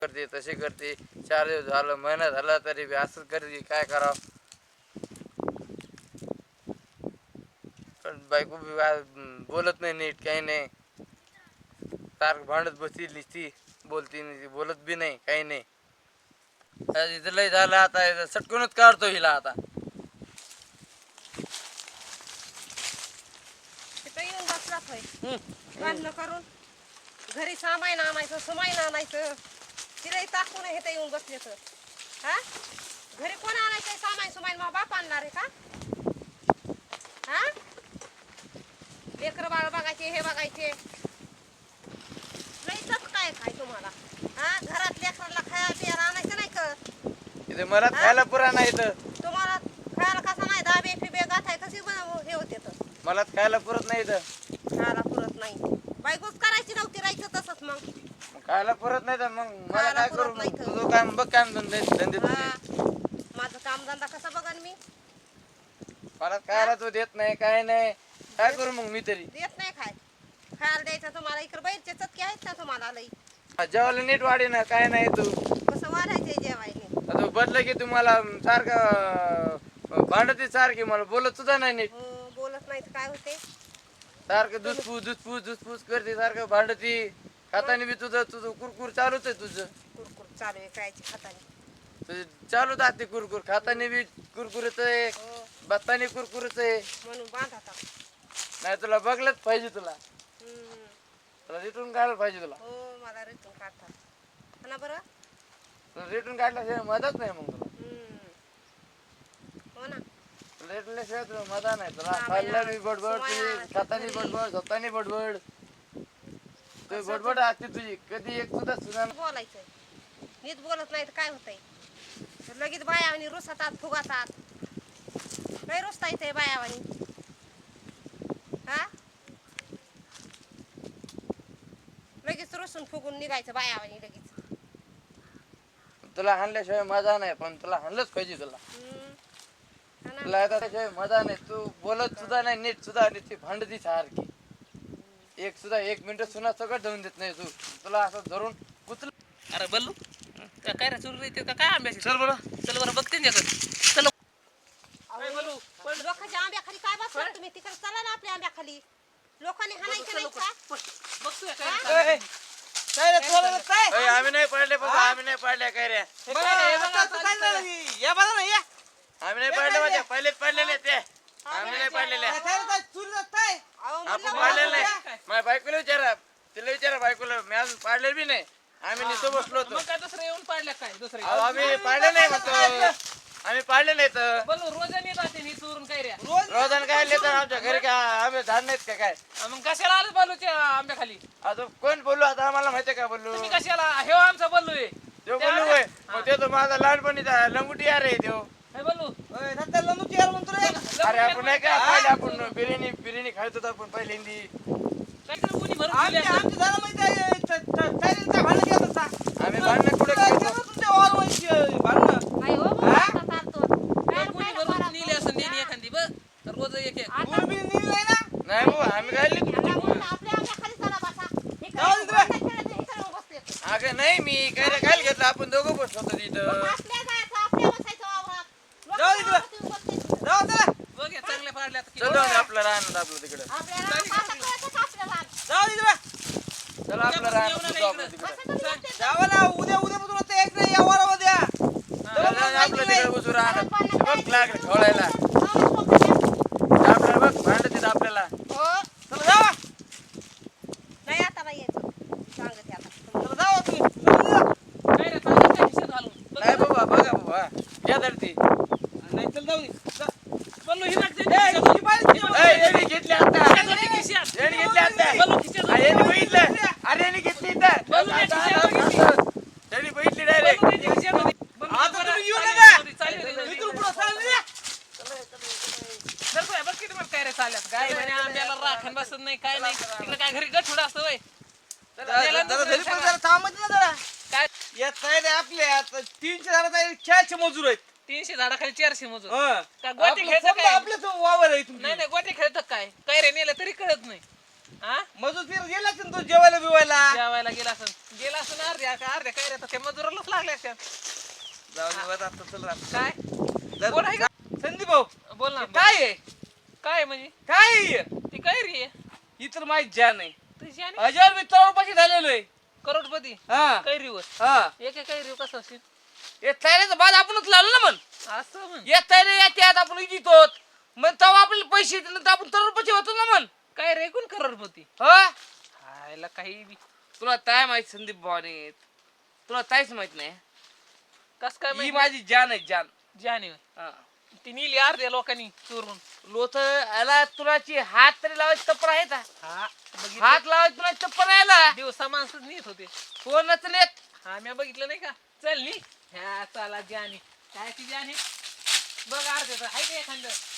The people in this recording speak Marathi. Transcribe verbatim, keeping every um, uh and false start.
करते तशी करते. चार दिवस झालं महिना झाला तरी बी असंच करते. काय करावं. पण बायको बी बोलत नाही नीट काही नाही. सारखं भांडत बसती नुसती बोलती नाही बोलत बी नाही काही नाही. इथं लय झालं आता सटकूनच काढतो हिला आता. तिथं येऊन बसलाच होय भांडणं करून. घरी सामान आणायचं सुमाईन आणायचं तिलाही टाकून हे तर येऊन बसले तर हा घरी कोण आणायचं सामान सुमाईन मग बाप आणणार आहे का हा लेकरं बाळ बघायचे हे बघायचे लईच काय काय तुम्हाला हा घरात लेकराला खायला प्यायला आणायचं नाही का इथे मला खायला पुरा नाही तर तुम्हाला खायला कसा नाही दाबे फिबे गाठाय कशी हे होते तर मला खायला पुरत नाही तर खायला पुरत नाही बायकोच करायची नव्हती राहायचं तसंच मग खायला पुरत नाही तर मग मला खायला काय पुरत करू. नाही तर. तुझं काम बघ काम धंदे धंदे तुझे. हा, माझं कामधंदा कसा बघन मी मला खायला तू देत नाही काय नाही. काय करू मग मी तरी. देत नाही खाय खायला द्यायचं तुम्हाला इकडे बाहेरचे चटके आहेत ना तुम्हाला लई जेवायला नीट वाढे ना काय नाही तू. कसं वाढायचंय जेवायला आता बदलं की तुम्हाला सारखं भांडती सारखी मला बोलत सुद्धा नाही नीट. हो बोलत नाही तर काय होते सारखं दुसपूस दुसपूस दुसपूस करते सारखं भांडती. खातानी बी तुझं तुझं कुरकुर चालूच आहे तुझं. कुरकुर चालू आहे खायची खातानी तुझं चालूच असते कुरकुर. खातानी बी कुरकुरच आहे हो बसतानी कुरकुरच आहे. म्हणून बांध आता नाही तुला बघलंच पाहिजे तुला. हम्म. तुला रिटून काढलं पाहिजे तुला. हो मला रिटून काढतात ना बरं तुला रिटून काढल्याशिवाय मदत नाही मग तुला. हम्म. हो ना रेटल्याशिवाय तुला मजा नाही तुला. हा, खाल्ल्या बाई, बी बडबड समय तुझी आला, खातानी घरी. बडबड झोपतानी बडबड. तुझी बडबड असते तुझी. कधी एक सुद्धा सुद्धा बोलायचं नीट बोलत नाही तर काय होतंय लगेच बायावानी रुसतात फुगातात काही रुसता येते बायावानी हा लगेच रुसून फुगून निघायचं बायावानी लगेच तुला हाणल्याशिवाय मजा नाही. पण तुला हाणलंच पाहिजे तुला. हम्म. हा ना. तुला आता त्याशिवाय मजा नाही. तू बोलत सुद्धा नाही नीट सुद्धा आणि ती भांडती सारखी. एक सुद्धा एक मिनिट सुद्धा सगळं धरून देत नाही तू. तुला असं धरून कुचल. अरे बल्लू का काय रे चोरी येते का काय आंब्याची चल बरं. चल बरं बघते ना त्याचं. चल अहो, लोकांच्या आंब्याखाली काय बसला तुम्ही तिकडे चला ना आपल्या आंब्याखाली लोकांनी हाणायचं नाही का बघतोय हा? काय ए, काय रे तुला काय ए, आम्ही नाही पडले बाबा. आम्ही नाही पडल्या काय रे. हे काय आता आता काय झालं ही? या बघा ना या आम्ही नाही पडले माझ्या पहिलेच पडलेले ते. आम्ही नाही पडलेले. काय झालं काय चोरी जात काय अहो, आपण म्हणलं पाडलेलं बघा. नाही. माझ्या बायकोला विचारा. तिला विचारा बायकोला. मी अजून पाडलेलं बी नाही. आम्ही नुसतं बसलो होतो. मग काय दुसरं येऊन पाडल्या काय दुसरे अहो, आम्ही पाडले नाही म्हणतो. आम्ही पाडले नाही तर बल्लू रोजाने येत असेल ही चोरून काय रे रोज रोजान काय येतात आमच्या घरी काय आम्ही धान नाहीत का काय. मग कशाला आलं बल्लूच्या आंब्याखाली आता कोण बोललो आता आम्हाला माहितीये का बोललो. तुम्ही कशाला हे आमचा बल्लू आहे तो बोललो होय. मग ते तो माझा लहानपणीचा लंगुटी यार आहे तो. हे बल्लू ओय, नंतर लंबूची यार म्हणतो रे अरे आपण नाही का पहिले आपण बिर्याणी बिर्याणी खायचो होतो आपण पहिल्यांदी. काय तर कोणी भरून आमची दिली असेल. आमची झालं माहिती आहे च- च- चायनीजचा भांडण केलं होतं सा. आम्ही भांडणं कुठे काय खेळतो. केलं तुमच्या वारवांची भांडणं नाही हो, मग हा? आता चालतो. काय कोणी खायला भरून बरं नेली असेल नेली एखादी बघ तर रोज एक एक आता तुम्ही बी नेली नाही ना नाही भाऊ आम्ही खाल्ली तुमची. आता म्हणलं आपल्या आंब्याखाली चला बसा. इकडे जाऊ दे तिकडे. बसायचं नाही तर इकडे बसले ते. अगं नाही मी काय रे काय घेतलं आपण दोघं बसलो होतो मग तिथं. आपल्या जायचं, आपल्या बसायचं वावरात. जाऊ दे लोकांच्या वावरात येऊन बसले ते. जाऊ चला बघ हे चांगले पाडले आता चल जाऊ दे आपलं राहणार आपलं तिकडं. आपल्याला आता कळतं का आपल्याला? जाऊ दे तिकडे चला आपलं राहणार सुद्धा आपलं तिकडं. असं तुम्ही म्हणते. जावा ना उद्या उद्या पासून आता एक नाही या वारामध्ये या चला जाऊ दे आपलं तिकडे बसू राहणार. बघ लागलं खवळायला. जाऊनच लोकांच्या- आपल्याला बघ भांडत आपल्याला. हो. चला जावा नाही आता नाही यायचं. सांगते आता. चला जावा तुम्ही जाऊ दे. काय रे चांगलं काय खिशात घालून बघ. नाही बाबा बघा बाबा घ्या तर ती. नाही चल जाऊ दे जा. बल्लू ही लागते ए, तुझी पाहिजे ती ए, यांनी घेतली आता. खिशात यांनी घेतली आता. बल्लू खिशात अरे यांनी बघितलं. अरे यांनी घेतली इथं. बल्लू यांनी आता- खिशात आता- घेतली. आता. त्यांनी बघितली डायरेक्ट. बल्लू त्यांच्या खिशात होती. बल्लू आता बरं, तुम्ही येऊ चालेल, नका. चालेल, चालेल, चालेल. इथून पुढं चाललं या. चल बाय, बघ किती मग काय रे चालल्यात काय म्हणे आंब्याला राखण बसत नाही काय नाही तिकडे काय घरी गठुड असतं वय जरा जरा घरी पण जरा थांबत ना जरा काय यात काय रे आपल्या आता तीनशे झाडात चारशे मजूर आहेत तीनशे झाडाखाली चारशे मजूर हं. का गोटी आपलं खेळतं समजा काय आपल्याच वावर आहे तुमची. नाही नाही गोटी खेळतं काय काय रे नेलं तरी कळत नाही हा मजूर फिर गेला असेल तू जेवायला बिवायला. जेवायला गेला असं गेला असं अर्ध्या का अर्ध्या काय रे त्या मजुरालाच लागले असत्या जाऊ दे बरं, आता चल रात. काय जर- बोल आहे का? संदीप भाऊ बोल ना हे काय आहे काय म्हणजे काय आहे हे? ती काय रे ही तर माहित जान आहे. तुझी आणि हजार मी तळपाशी झालेलो आहे. करोडपती हा कैरीवर हा एक एक कैरी कसं असेल हे तयारीचा बाद आपणच लावलं ना म्हण. असं म्हण या तयारी या त्यात आपण इजितो मग तेव्हा आपल्याला पैसे येतील तर आपण तळपाशी होतो ना म्हण. काय रे कोण करोडपती हा हायला काही बी तुला काय माहित संदीप भावाने तुला काहीच माहित नाही. कस काय ही माहिती माझी जान आहे जान. जाने हा. ती नेली अर्ध्या लोकांनी चोरून लोथ याला तुलाची हात तरी लावायची तप्पर आहे का? हा हात लावायची तुला तप्पर यायला दिवसा माणसं नेत होते कोणच नेत. हा मी बघितलं नाही का चल नी ह्या चला जाने काय ती जाने बघ अर्ध्याचं आहे का एखादं